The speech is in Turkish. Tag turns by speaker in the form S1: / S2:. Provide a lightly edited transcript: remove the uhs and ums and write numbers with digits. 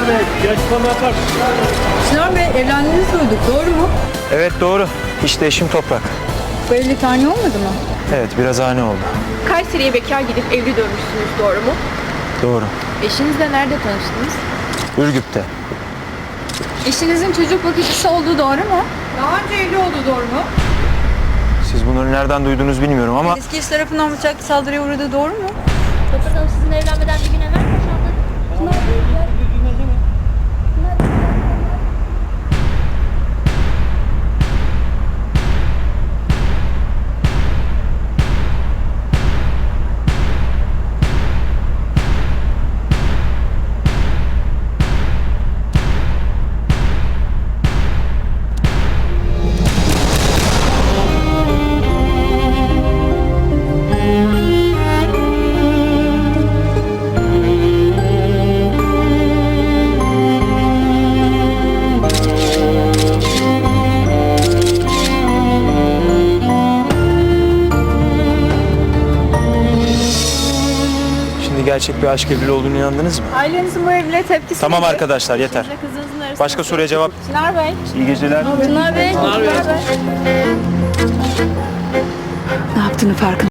S1: Bey, bir açıklama yapar mısın?
S2: Çınar Bey evlendiğinizi duyduk, doğru mu?
S3: Evet doğru. İşte eşim Toprak.
S2: Bu evlilik ani olmadı mı?
S3: Evet biraz ani oldu.
S4: Kayseri'ye bekar gidip evli dönmüşsünüz, doğru mu?
S3: Doğru.
S4: Eşinizle nerede tanıştınız?
S3: Ürgüp'te.
S2: Eşinizin çocuk bakıcısı olduğu doğru mu? Daha önce evli olduğu doğru mu?
S3: Siz bunları nereden duyduğunuzu bilmiyorum ama
S2: Eski eş tarafından bıçaklı saldırıya uğradığı doğru mu?
S5: Toprak Hanım sizin evlenmeden bir gün evvel boşandı.
S3: şimdi gerçek bir aşk evliliği olduğunu inandınız mı?
S2: Ailenizin bu evliliğe tepkisi
S3: Tamam
S2: nedir?
S3: arkadaşlar yeter.
S4: Kızınızın arasında
S3: Başka soruya cevap.
S2: Çınar Bey.
S3: İyi geceler.
S2: Çınar Bey. Ne yaptığını farkında.